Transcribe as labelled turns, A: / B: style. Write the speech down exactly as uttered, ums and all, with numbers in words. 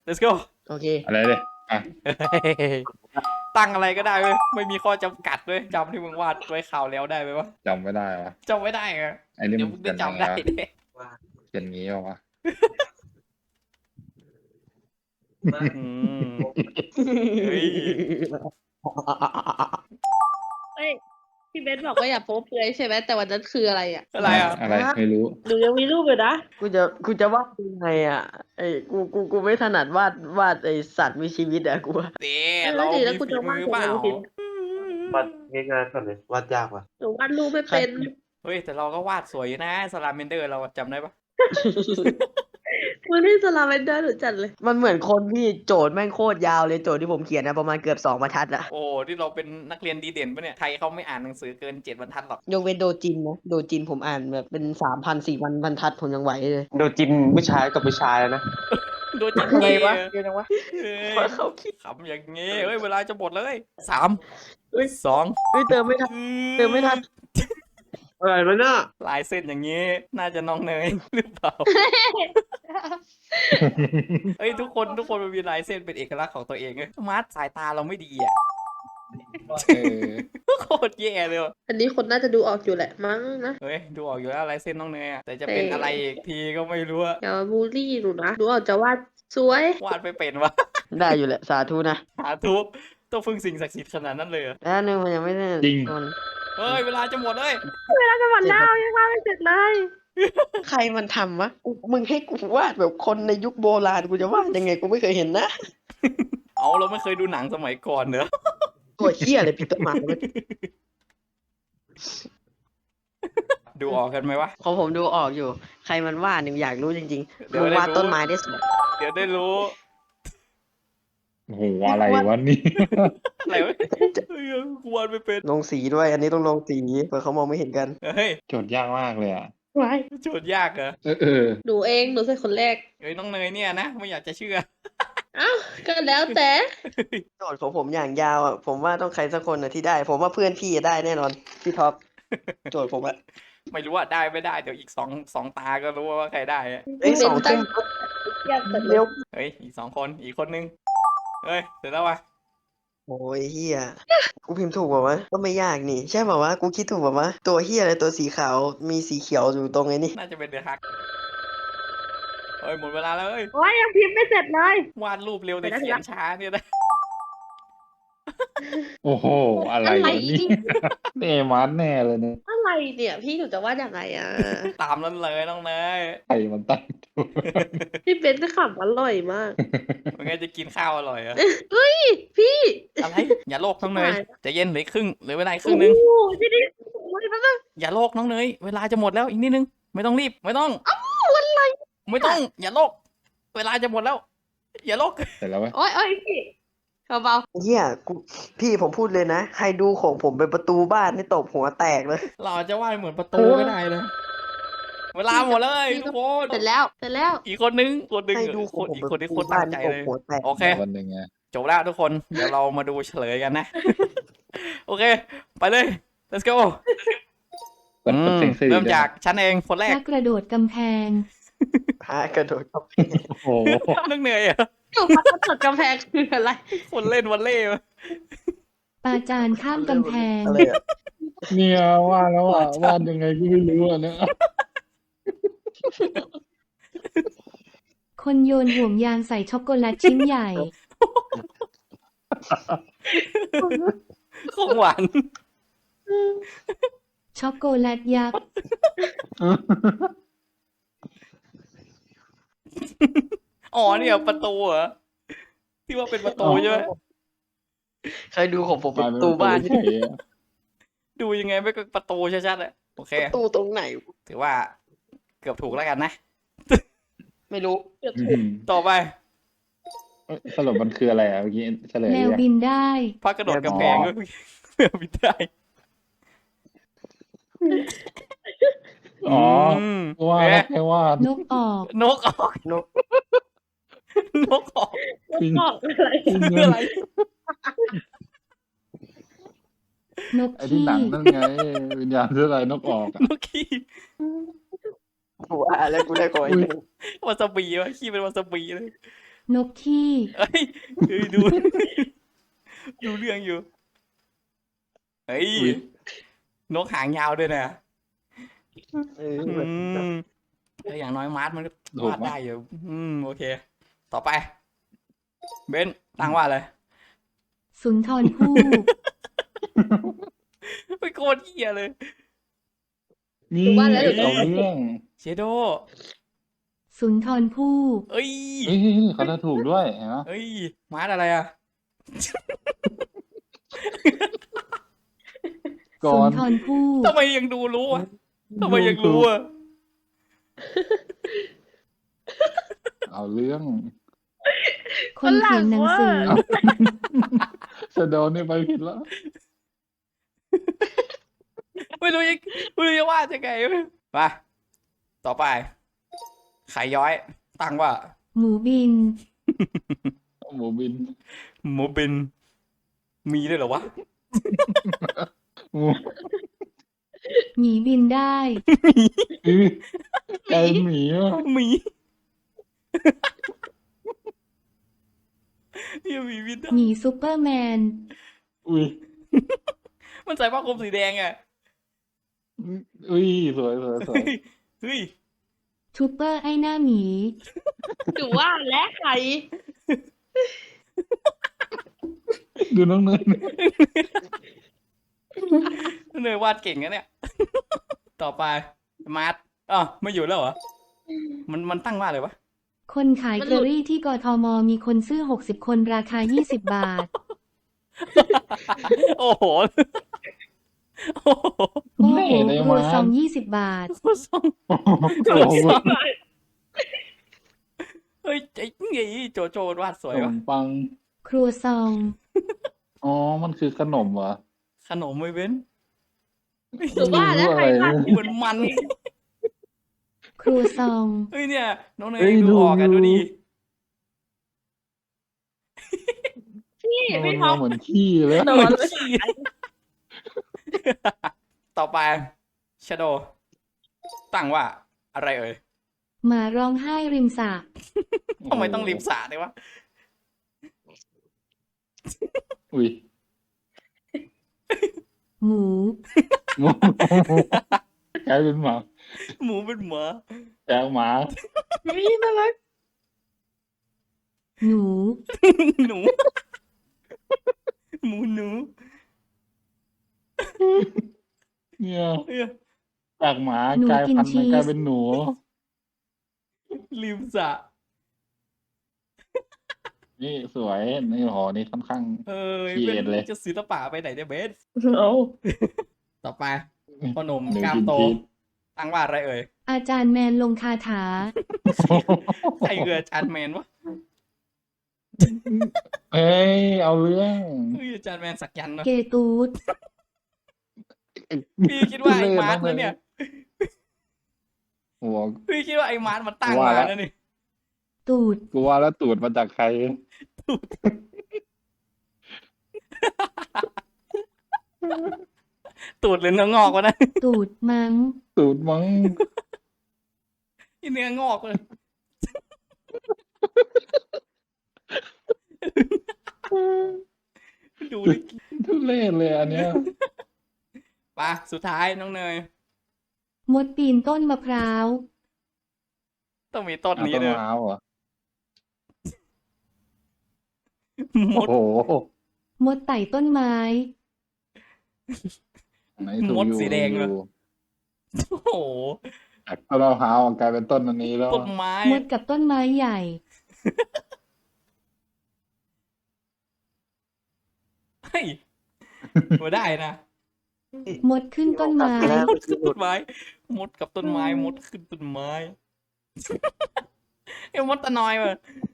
A: let's go
B: โอเค
C: อะไรเลยอ่ะ
A: ตั้งอะไรก็ได้เว้ยไม่มีข้อจำกัดเว้ยจำที่มึงวาดไว้ข่าวแล้วได้ไหมวะ
C: จำไม่ได้วะ
A: จำไม่ได้เหรอ
C: ไอ้นี่
A: เดี๋ย
C: มั
A: วน มึง
C: เขี
A: จะ
C: ยนยังไง
A: จำได้
C: วะ
A: เลย
C: เขียนงี้วะ
A: อืมเฮ้ย
D: เอ้ยพี่เบนบอกว่าอย่าโป๊เปลือยใช่ไหมแต่วันนั้นคืออะไรอ่ะ
A: อะไรอ่ะ
C: อะไรไม่รู้
D: หนูยังมีรูปอยู่นะ
B: กูจะกูจะวาดยังไงอ่ะไอ้กูกูกูไม่ถนัดวาดวาดไอ้สัตว์มีชีวิตอ่ะกูว่า
A: เด้
D: เออ
A: เรา
D: ดี
A: มี
D: แล้วกู
A: ฝี
D: จะ
A: มื
D: วาด
A: อ
D: ของ
A: เปล่า
D: เราทิ้ง
E: วาดง่ายๆก่อนเลยวาดยากว่ะ
D: หนูวาดรูปไม่เป็น
A: เฮ้ยแต่เราก็วาดสวยอยู่นะสลาเมนเดอร์เราจำได้ปะ
D: มือที่สลาเวนเดอร์หนูจัดเลย
B: มันเหมือนคนที่โจทย์แม่งโคตรยาวเลยโจทย์ที่ผมเขียนนะประมาณเกือบสองบรรทัดอะ
A: โอ้ที่เราเป็นนักเรียนดีเด่นปะเนี่ยไทยเขาไม่อ่านหนังสือเกินเจ็ดบรรทัดหรอก
B: ยกเว้นโดจินนะโดจินผมอ่านแบบเป็นสามพันสี่พันบรรทัดผมยังไหวเลย
E: โดจินผู้ชายกับผู้ชายแล้วนะ
A: โดนจิต
B: อะไร
A: เก
B: วะ
A: ย์
B: เดี๋ยวนะวะ
A: เฮ้ย
B: ขอเขาคิด
A: ขำอย่างงี้เฮ้ยเวลาจะหมดเลยสาม
B: เฮ้ย
A: สอง
B: เฮ้ยเติมไม่ทัน เติมไม่ทัน
E: อะไรมันน่ะ
A: ลายเส้นอย่างงี้ น่าจะน้องเนย หรือเปล่า เฮ้ยทุกคนทุกคนมันมีลายเส้นเป็นเอกลักษณ์ของตัวเองเว้ยมาร์ทสายตาเราไม่ดีอ่ะ
C: เออ
A: โคตรแย่เลยว่ะ
D: อันนี้คนน่าจะดูออกอยู่แหละมั้งนะ
A: เฮ้ยดูออกอยู่แล้วลายเส้นน้องเนยอะแต่จะเป็น
D: เอออ
A: อะไรอีกทีก็ไม่รู้อะ
D: อย่ามาบูลลี่หนูนะหนูออกจะวาดสวย
A: วาดไม่เป็นวะ
B: ได้อยู่แหละสาธุนะ
A: หาทุบต้องพึ่งสิ่งศักดิ์สิทธิ์ขนาดนั้นเลยเหรอ
B: แล้วนึงมันยังไม่ได้
C: จริง
B: ตอน
A: เฮ้ยเวลาจะหมดเลย
D: จะหมดแล้วยังวาดไม่เสร็จเลย
B: ใครมันทำวะกูมึงให้กูวาดแบบคนในยุคโบราณกูจะวาดยังไงกูไม่เคยเห็นนะ
A: เอาเราไม่เคยดูหนังสมัยก่อนเนอะ
B: ตัวเหี้ยอะไรปีเตอร์มาร์
A: ดูออกกันไหมวะ
B: ของผมดูออกอยู่ ใครมันวาดเนี่ยอยากรู้จริง
A: เดี๋
B: ๆ
A: ยว
B: มึง
A: ได้
B: วาด
A: รู้
B: ต้นไม้ได้สวย
A: เดี๋ยวได้รู้
C: โอ้โหอะไรวะนี่
A: อะไรวะเฮ้ยกูวาดไม่เป็น
B: ลงสีด้วย อันนี้ต้องลงสีเผื่อเขามองไม่เห็นกัน
A: เฮ้ย
C: โจทย์ยากมากเลยอ่ะ
D: ไว้
A: โจทย์ยากเหรอ
C: เออเออ
D: หนูเองหนูเป็นคนแรก
A: เฮ้ยน้องเนยเนี่ยนะไม่อยากจะเชื่อ
D: เอ้าก็แล้วแต่
B: โจทย์ของผมอย่างยาวอ่ะ ผมว่าต้องใครสักคนนะที่ได้ ผมว่าเพื่อนพี่ได้แน่นอน พี่ท็อป โจทย์ผมอะ
A: ไม่รู้ว่าได้ไม่ได้เดี๋ยวอีกสองสองตาก็รู้ว่าใครได้อะ
B: ไอ้ยสอง
D: ตั้
B: เท่
D: งเทียบกันเล
B: เร็
D: ยว
A: เฮ้ยอีกสองคนอีกคนนึงเฮ้ยเสร็จแล้ววะ
B: โอ้ยเฮียกูพิมพ์ถูกเปล่าวะก็ไม่ยากนี่ ใช่เปล่าวะกูคิดถูกเปล่าวะตัวเฮียอะไรตัวสีขาวมีสีเขียวอยู่ตรงไอ้นี่
A: น่าจะเป็นเดอะฮักเฮ้ยหมดเวลาแล้วเฮ้ย
D: โอ้ยยังพิมพ์ไม่เสร็จเลย
A: วาดรูปเร็วแต่
D: ไปแล้ว
A: เขียนช้าเนี่ยนะ
C: โอ้โหอะไร
D: อะไร
C: วะนี่เนมันแน่เลยเนี่ย
D: อะไรเนี่ยพี่หนูจะวาดยังไงอ่ะ
A: ตามนั้นเลยน้องเนย
C: ใครมันตั้งตัว
D: พี่เบนจะขำอร่อยมาก
A: มันไงจะกินข้าวอร่อยเหรอะ
D: เฮ้ยพี่
A: อะไรอย่าโลกน้องเนย
D: ชิบหาย
A: ใจะเย็นเหลืออกครึ่งเหลือเวลาอีกครึ่งนึง
D: โอ้โหที่นี่โอ้ยมันต้อง
A: อย่าโลกน้องเนยเวลาจะหมดแล้วอีกนิดนึงไม่ต้องรีบไม่ต้อง
D: อะไร
A: ไม่ต้อง อย่าโลก เวลาจะหมดแล้ว อย่าโลก
C: เสร็จแล้วไหม
D: โอ้ยโอ้ยพี่เบา
B: เฮียกูพี่ผมพูดเลยนะ ใครดูของผมเป็นประตูบ้านนี่ตบหัวแตกเลย
A: เราอาจจะวาดเหมือนประตูก็ได้นะเวลาหมดเลยทุกคน
D: ๆเสร็จแล้วเสร็จแล้ว
A: อีกคนนึงคนนึง
B: ใครดูข
A: ค
B: อง
A: น
B: ผม
A: อีก
B: เป็น
A: คน
B: ประ
A: ที่
B: ตู
A: โคตร
B: บ้า
A: ตั้
B: น
A: งใจ
B: นี่ตบ
A: เลย
B: หัวแตก
A: โอเค
C: วันหนึ่งไง
A: จบแล้วทุกคน เดี๋ยวเรามาดูเฉลยกันนะ โอเค ไปเลย let's go
C: เปิด
A: อื
C: เปิด
A: ม
C: เสียงสื่อ
A: เริ่มจากฉันเองคนแรก
F: นักกระโดดกำแพง
B: พากระโดดเข้าไป
C: โอ้โห
A: นึกเหนื่อยอ่ะ
D: หนูพัดตดกำแพงคืออะไร
A: คนเล่นวันเล่มา
F: ปาจารย์ข้ามกำแพง
B: อะไรอะ
C: เนี่ยว่าแล้วอ่ะวาดยังไงก็ไม่รู้อ่ะเนี่ย
F: คนโยนห่วงยางใส่ช็อกโกแลตชิ้นใหญ่
A: ของหวาน
F: ช็อกโกแลตยักษ์
A: อ๋อเนี่ยประตูเหรอ ที่ว่าเป็นประตูใช่ไหม
B: ใครดูของผม
C: ก
B: เป็น
C: ลาย
B: ป
C: เป็น
B: ระตูบ้าน
C: เฉ
B: นี่
C: ยๆอะ
A: ดูยังไงไม่ก็ประตูชัดๆอะโอเค
B: ประตูตรงไหน
A: ถือว่าเกือบถูกแล้วกันนะ
B: ไม่รู้
C: อืม
A: ต่อไป
C: เอ้ยสรุปมันคืออะไรอ่ะเมื่อกี้เฉลย
F: แมว
C: ยัง
F: บินได้
A: พักกระโดดกำแพงก็เพื่อบินได้
C: อ๋อ
A: ม
C: ว่า
A: เอ๊ะ
C: แค่วาด
F: นกออก
A: นกออก
B: นก
A: นกออก
C: จริง
D: บอกอะไร
A: คืออะไร
F: นก
C: ไอ้ที่
F: ขี้
C: หนังนั่นไงวิญญาณเสื้อลายนกออกอ่ะ
A: นกขี้
B: กูอ่านแล้วกูได้ขออีกหนึ่ง
A: วาซาบิวะขี้เป็นวาซาบิเลย
F: นกขี้
A: เอ้ยเฮ้ยดู ดูเรื่องอยู่เฮ้ย
C: อุ๊ย
A: นกหางยาวด้วยนะ
B: เออ
A: อืมแต่อย่างน้อยมาร์ทมันก็
C: ถูก
A: วาด
C: ไหม
A: ได้อยู่อืมโอเค ต่อไป เบนตั้งว่าอะไร
F: สุนทรภู่
A: ไม่โคตรเหี้ยเลย
C: นี่
D: ว่าแล้ว
C: เอาเรื่อง
A: เชโด
F: สุนทรภู่
A: เอ้ย
C: เฮ้ยเขาจะถูกด้วยเห็นไหม
A: เอ้ยมาร์ทอะไรอ่ะ
C: ก่อ
F: สุน
C: น
F: ทรภู่
A: ทำไมยังดูรู้อ่ะทำไมยังรู้อ่ะ
C: เอาเรื่อง
F: คนเขียนหนังสือ
C: จะโดนนี่ไปผิดแล้ว
A: ไม่รู้ยังไม่รู้จะวาดยังไงมาต่อไปไข่ย้อย ตั้งว่า
F: หมูบิน
C: หมูบิน
A: หมูบิน มีด้วยเหรอวะ
C: หมู
F: หมีบินได้
C: อื้อไก่หมีอ่ะ
A: หมี เฮียหมีบินได้
F: หมีซูเปอร์แมน
C: อุ้ย
A: มันใส่ผ้าคลุมสีแดงอ่ะ
C: อุ้ยสวยสวยสวย
A: เฮ้ย
F: ทูเปอร์ไอหน้าหมี
D: ถือว่าและใคร
C: ดูน้องเนย
A: เนยวาดเก่งนะเนี่ย ต่อไป มาร์ทอ๋อไม่อยู่แล้วเหรอ มันมันตั้งว่าอะไรวะ
F: คนขายเกอรี่ที่กทมมีคนซื้อหกสิบคนราคายี่สิบบาท
A: โอ้โห โอ้โห
F: โอ้โห
C: แม่เลย
F: ครัว
C: มา
F: ซองยี่สิบบาท
C: โอ้โห
A: เฮ้ยไอ้ไงโจโจวาดสว
C: ข
A: ย
C: น
A: วะ
C: มปัง
F: ครัวซอง
C: อ๋อ มันคือขนมเหรอ
A: ขนมไม่เว้น
D: ถือว่าและใครวาด
A: เหมือนมัน
F: ครัวซอง
A: เฮ้ยเนี่ย น้องเน
C: เฮ้
A: ย
C: ย
A: ดู
C: ดู
A: ออกกัน
C: ดู
A: ดูดิ
D: พี่
C: มัน
D: พี่ท็อป
C: เหมือนขี้เลย
D: นอนเลย
A: ต่อไปชโดตั้งว่า อะไรเอ่ย
F: หมาร้องไห้ริมสระ
A: ทำไมต้องริมสระด้วยวะ
C: อุ้ย
F: หมู
C: หมูกลายเป็นหมา
A: หมูเป็นหมา
C: จากหมา
D: นี่น่ารัก
F: หนู
A: หนู หมูหนู
C: เนี่ย
A: เอ้ย
C: จากหมา
F: หนู
C: กลาย
F: กิน
C: พันธุ์
F: ชี
C: มัน
F: ส
C: กลายเป็นหนู
A: ริมสระ
C: นี่สวย นี่หอนี่ค่อนข้าง
A: เออ
C: เกลี
A: เป็
C: ยดเลย
A: นจะศิลปะไปไหนเนี่ยเบส
D: เอา
A: ต่อไปพ่อหนุ่ม
C: หนู
A: กล้าม
C: กิน
A: โต
C: ชีส
A: ตั้งว่าอะไรเอ่ย
F: อาจารย์แมนลงคาถา
A: ใครเอืออาจารย์แมนวะ
C: เอ้ย เอาเรื่อง
A: เฮ้ยอาจารย์แมนสักยันต์เนอะ
F: เกตูด
A: พี่คิดว่าไอ้มาร์ทนะเนี่ย
C: หัว
A: พี่คิดว่าไอ้มาร์ทมันตั้ง
C: ว่า
A: มา
C: แล้ว
A: แล้วนี่
F: ตูด
C: กูว่าแล้วตูดมาจากใคร
A: ตูดหรือเนื้องอกวะนะ
F: ตูดมัง
C: ตูดมั้ง
A: ที่เนื้องอกเลยดูดิ
C: ทุเรศเลยอันเนี้ย
A: ไปสุดท้ายน้องเนย
F: มดปีนต้นมะพร้าว
A: ต้องมีต้น
C: เอา
A: นี้
C: ต้น
A: เลย
C: มะพร้าวเหรอ
A: มด
C: โอ้โห
F: มดไต่ต้นไม้
C: ไหนถูก
A: มด
C: อยู่
A: สีแดงเหรอ
C: อยู่
A: โอ้โห
C: จากต้นมะพร้าวกลายเป็นต้นอันนี้แล้ว
A: ต้นไม้
F: มดกับต้นไม้ใหญ่
A: เฮ้ยมาได้นะ
F: มดขึ้นต้นไม้
A: มดขึ้นต้นไม้ มดกับต้นไม้ มดขึ้นต้นไม้ เอ้ยมดตะนอยว่ะ